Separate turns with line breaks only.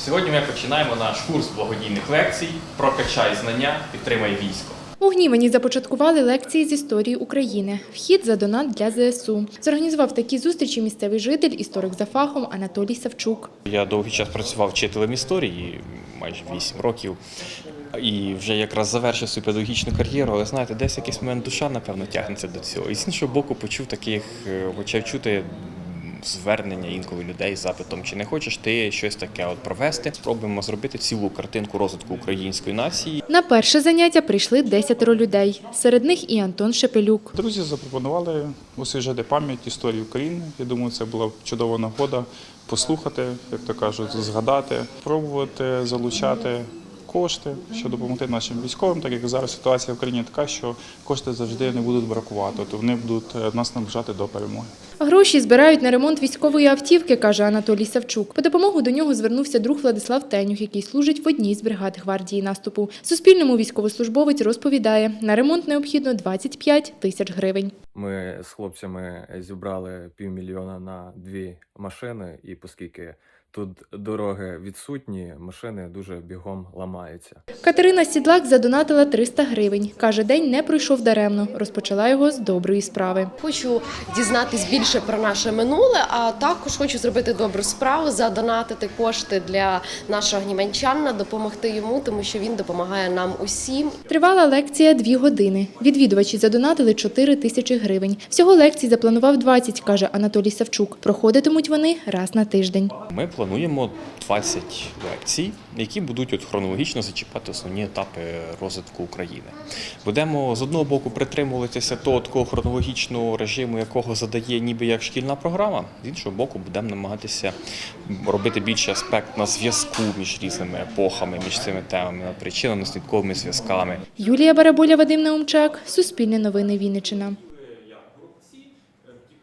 Сьогодні ми починаємо наш курс благодійних лекцій «Прокачай знання, підтримай військо».
У Гнівані започаткували лекції з історії України. Вхід за донат для ЗСУ. Зорганізував такі зустрічі місцевий житель, історик за фахом Анатолій Савчук.
Я довгий час працював вчителем історії, майже 8 років. І вже якраз завершив свою педагогічну кар'єру, але знаєте, десь якийсь момент душа, напевно, тягнеться до цього. І з іншого боку почав чути звернення інколи людей з запитом, чи не хочеш ти щось таке провести. Спробуємо зробити цілу картинку розвитку української нації.
На перше заняття прийшли 10 людей. Серед них і Антон Шепелюк.
Друзі запропонували освіжити пам'ять історії України. Я думаю, це була чудова нагода послухати, як то кажуть, згадати, пробувати залучати кошти, щоб допомогти нашим військовим, так як зараз ситуація в країні така, що кошти завжди не будуть бракувати, то вони будуть нас наближати до перемоги.
Гроші збирають на ремонт військової автівки, каже Анатолій Савчук. По допомогу до нього звернувся друг Владислав Тенюх, який служить в одній з бригад гвардії наступу. Суспільному військовослужбовець розповідає, на ремонт необхідно 25 тисяч гривень.
Ми з хлопцями зібрали півмільйона на 2 машини, і оскільки тут дороги відсутні, машини дуже бігом ламаються.
Катерина Сідлак задонатила 300 гривень. Каже, день не пройшов даремно. Розпочала його з доброї справи.
Хочу дізнатись більше про наше минуле, а також хочу зробити добру справу, задонатити кошти для нашого гніванчанина, допомогти йому, тому що він допомагає нам усім.
Тривала лекція 2 години. Відвідувачі задонатили 4 тисячі гривень. Всього лекцій запланував 20, каже Анатолій Савчук. Проходитимуть вони раз на тиждень.
Ми плануємо 20 лекцій, які будуть хронологічно зачіпати основні етапи розвитку України. Будемо з одного боку притримуватися того такого хронологічного режиму, якого задає ніби як шкільна програма, з іншого боку будемо намагатися робити більший аспект на зв'язку між різними епохами, між цими темами, над причинно-наслідковими зв'язками.
Юлія Барабуля, Вадим Наумчак, Суспільне новини Вінниччина.